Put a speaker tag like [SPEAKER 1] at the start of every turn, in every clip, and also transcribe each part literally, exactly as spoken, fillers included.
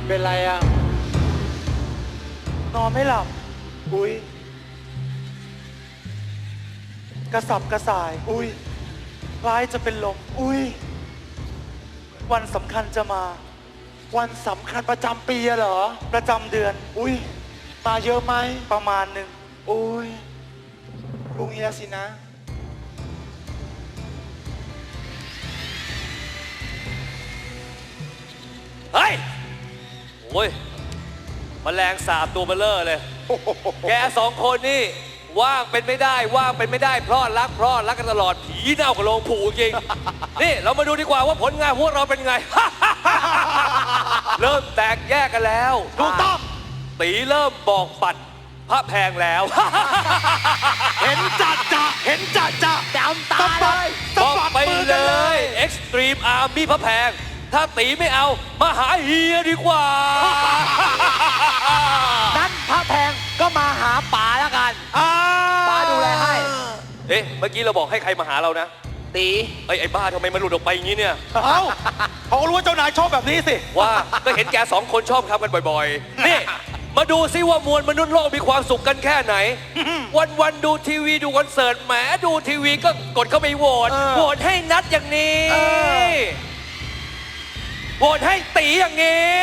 [SPEAKER 1] เป็นไรอ่ะนอนไม่หลับอุ้ยกระสับกระส่ายอุ้ยคล้ายจะเป็นลมอุ้ยวันสำคัญจะมาวันสำคัญประจำปีเหรอประจำเดือนอุ้ยมาเยอะไหมประมาณหนึ่งอุ้ยลุงเฮียสินะ
[SPEAKER 2] เฮ้ยโอ้ยแมลงสาบตัวเบลเลอร์เลย แกสองคนนี่ว่างเป็นไม่ได้ว่างเป็นไม่ได้เพราะรักเพราะรักกันตลอดผีเน่ากับโลงผูจริง นี่เรามาดูดีกว่าว่าผลงานพวกเราเป็นไง เริ่มแตกแยกกันแล้วถูกต้องตีเริ่มบอกปัดพระแพงแล้ว
[SPEAKER 1] เห็นจัดจ้ะเห็นจัดจ้ะจำตาเลย
[SPEAKER 2] บอกไปเลย Extreme Army พระแพงถ้าตีไม่เอามาหาเฮียดีกว่า
[SPEAKER 3] นั้นพระแพงก็มาหาป๋าแล้วกันป๋าดูแลให้
[SPEAKER 2] เอ๊ะเมื่อกี้เราบอกให้ใครมาหาเรานะ
[SPEAKER 3] ตี
[SPEAKER 2] ไอ้ไอ้บ้าทำไมมันหลุดออกไปอย่างนี้เนี่ย
[SPEAKER 1] เอ้าเขารู้ว่าเจ้านายชอบแบบนี้สิ
[SPEAKER 2] ว่าก็เห็นแกสองคนชอบทำกันบ่อยๆนี่มาดูซิว่ามวลมนุษย์โลกมีความสุขกันแค่ไหน วันๆดูทีวีดูคอนเสิร์ตแหมดูทีวีก็กดเข้าไปโหวตโหวตให้นัดอย่างนี้โหวตให้ตีอย่างนี้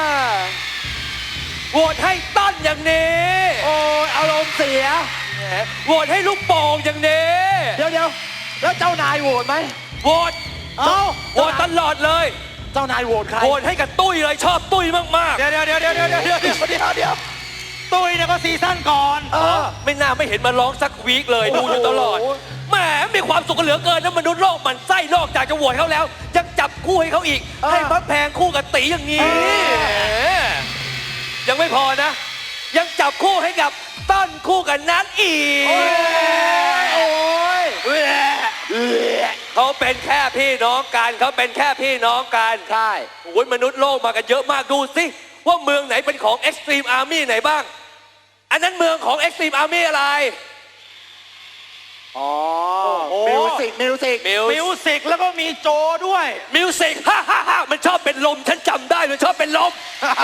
[SPEAKER 2] โหวตให้ต้นอย่างนี้
[SPEAKER 3] โอ้ยอารมณ์เสีย
[SPEAKER 2] โหวตให้ลูกโป่งอย่างนี้
[SPEAKER 3] เดี๋ยวเดี๋ยวแล้วเจ้านายโหวตไหม
[SPEAKER 2] โหวต
[SPEAKER 3] เอ้า
[SPEAKER 2] โหวตตลอดเลย
[SPEAKER 3] เจ้านายโหวตใคร
[SPEAKER 2] โหวตให้กับตุ้ยเลยชอบตุ้ยมากๆ
[SPEAKER 1] เดี๋ยวเดี๋ยวเดี๋ยวเดี๋ยวเดี๋ยวเดี๋ยวเดี๋ยวเดี๋ยวเดี๋ยวตุ้ยเนี่ยก็ซีซั่นก่อน
[SPEAKER 2] เออไม่น่าไม่เห็นมาร้องสักวีคเลยดูอยู่ตลอดแหมมีความสุขกันเหลือเกินนะมนุษย์โลกมันไส้นอกจากจะโหวตเขาแล้วยังจับคู่ให้เขาอีกให้พระแพงคู่กับตีอย่างนี้ยังไม่พอนะยังจับคู่ให้กับต้นคู่กับนัทอีก
[SPEAKER 3] โอ้ย
[SPEAKER 2] เขาเป็นแค่พี่น้องกันเขาเป็นแค่พี่น้องกัน
[SPEAKER 3] ใช่
[SPEAKER 2] โอ้ยมนุษย์โลกมากันเยอะมากดูสิว่าเมืองไหนเป็นของ Extreme Army ไหนบ้างอันนั้นเมืองของ Extreme Army อะไร
[SPEAKER 3] อ๋อมิวสิกมิวสิก
[SPEAKER 1] มิวสิกแล้วก็มีโจด้วย
[SPEAKER 2] มิวสิกฮ่าฮ่าฮ่ามันชอบเป็นลมฉันจำได้มันชอบเป็นลม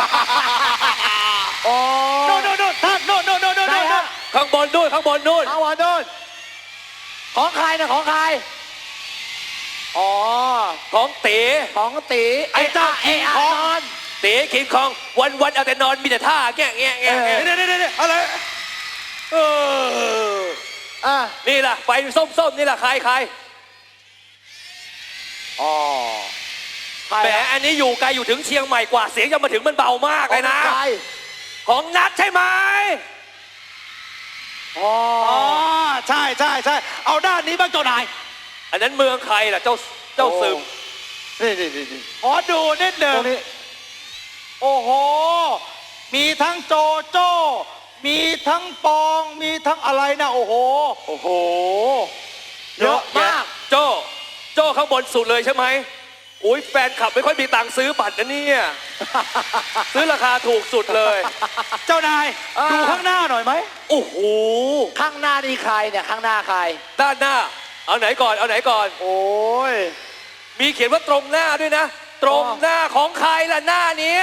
[SPEAKER 3] โอ้
[SPEAKER 1] โน่นโน่นโน่นท่านโน่นโน่นโน่นโน่น
[SPEAKER 2] ข้างบนนู่นข้างบนนู่น
[SPEAKER 3] ข้างบนนู่นของใครนะของใครอ๋อ
[SPEAKER 2] ของตี
[SPEAKER 3] ของตี
[SPEAKER 1] ไอ้เจ้า
[SPEAKER 3] ไอ้อานอน
[SPEAKER 2] ตีคิงคองวันวันเอาแต่นอนมีแต่ท่าแง่แง่แง่
[SPEAKER 1] เดี๋ยวเดี๋ยวเดี๋ยวอะไรเออ
[SPEAKER 3] อ่ะ
[SPEAKER 2] นี่ล่ะไฟส้มๆนี่ล่ะใครใคร
[SPEAKER 3] อ๋อ
[SPEAKER 2] แหมอันนี้อยู่ไกลอยู่ถึงเชียงใหม่กว่าเสียงจะมาถึงมันเบามากเลยนะของนัดใช่ไหม
[SPEAKER 3] อ๋อ
[SPEAKER 1] ใช่ใช่ใช่เอาด้านนี้บ้างเจ้านาย
[SPEAKER 2] อันนั้นเมืองใครล่ะเจ้าเจ้าซึม
[SPEAKER 1] นี่นี่นี่ขอดูนิดหนึ่งโอ้โหมีทั้งโจโจ้มีทั้งปองมีทั้งอะไรนะโอ้โห
[SPEAKER 3] โอ้โห
[SPEAKER 2] เยอะมากโจโจข้างบนสุดเลยใช่ไหมอุ้ยแฟนคลับไม่ค่อยมีตังค์ซื้อบัตรนะเนี่ยซื้อราคาถูกสุดเลย
[SPEAKER 1] เจ้านายดูข้างหน้าหน่อยไหม
[SPEAKER 2] โอ้โห
[SPEAKER 3] ข้างหน้านี่ใครเนี่ยข้างหน้าใคร
[SPEAKER 2] ด้านหน้าเอาไหนก่อนเอาไหนก่อน
[SPEAKER 3] โอ้ย
[SPEAKER 2] มีเขียนว่าตรงหน้าด้วยนะตรงหน้าของใครล่ะหน้านี้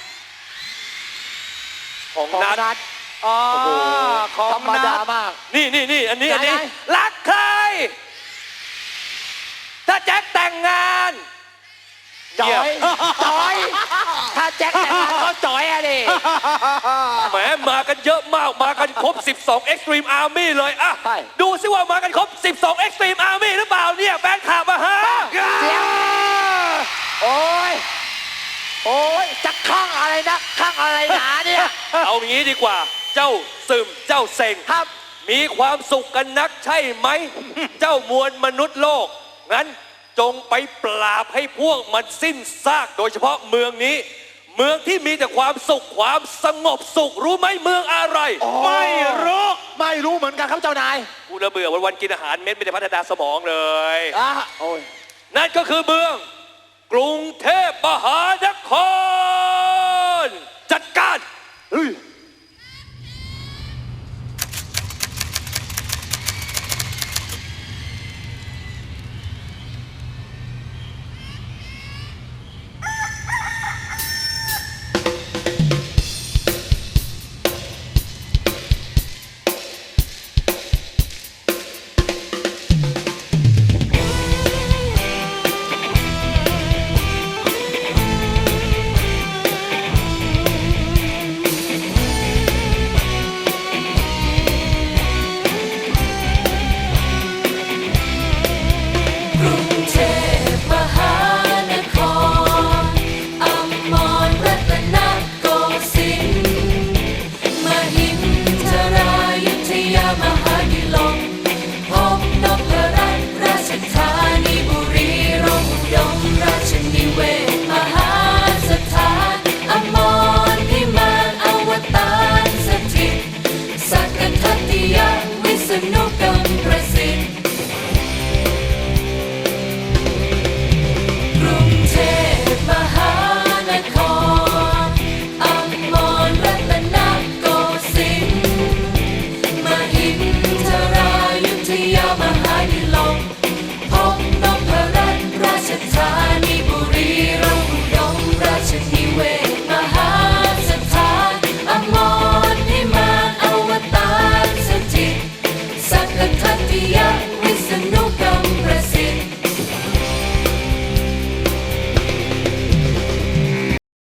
[SPEAKER 3] ของนัด
[SPEAKER 1] อ๋อ
[SPEAKER 3] ธรรมดามาก
[SPEAKER 2] นี่นี่นี่อันนี้อันนี้รักใครถ้าแจ็คแต่งงาน
[SPEAKER 3] จอยจอยถ้าแจ็คแต่งงานก็จอยอะดิ
[SPEAKER 2] แหมมากันเยอะมากมากันครบสิบสอง Extreme Army เลยอ่ะดูซิว่ามากันครบสิบสอง Extreme Army หรือเปล่าเนี่ยแฟนคลับมาฮะ
[SPEAKER 3] เสียงโอ้ยโอ้ยจะข้างอะไรนะข้างอะไรหนาเนี่ย
[SPEAKER 2] เอางี้ดีกว่าเจ้าซึมเจ้าเซ็ง
[SPEAKER 3] ครับ
[SPEAKER 2] มีความสุขกันนักใช่ไหม เจ้ามวลมนุษย์โลกงั้นจงไปปราบให้พวกมันสิ้นซากโดยเฉพาะเมืองนี้เมืองที่มีแต่ความสุขความสงบสุขรู้ไหมเมืองอะไร
[SPEAKER 1] ไม่รู้
[SPEAKER 3] ไม่รู้เหมือนกันครับเจ้านาย
[SPEAKER 2] กูระเบื่อวันๆกินอาหารเม็ดไม่ได้พัฒนาสมองเลย
[SPEAKER 3] อ่ะโอ้ย
[SPEAKER 2] นั่นก็คือเมืองกรุงเทพมหานครจัดการ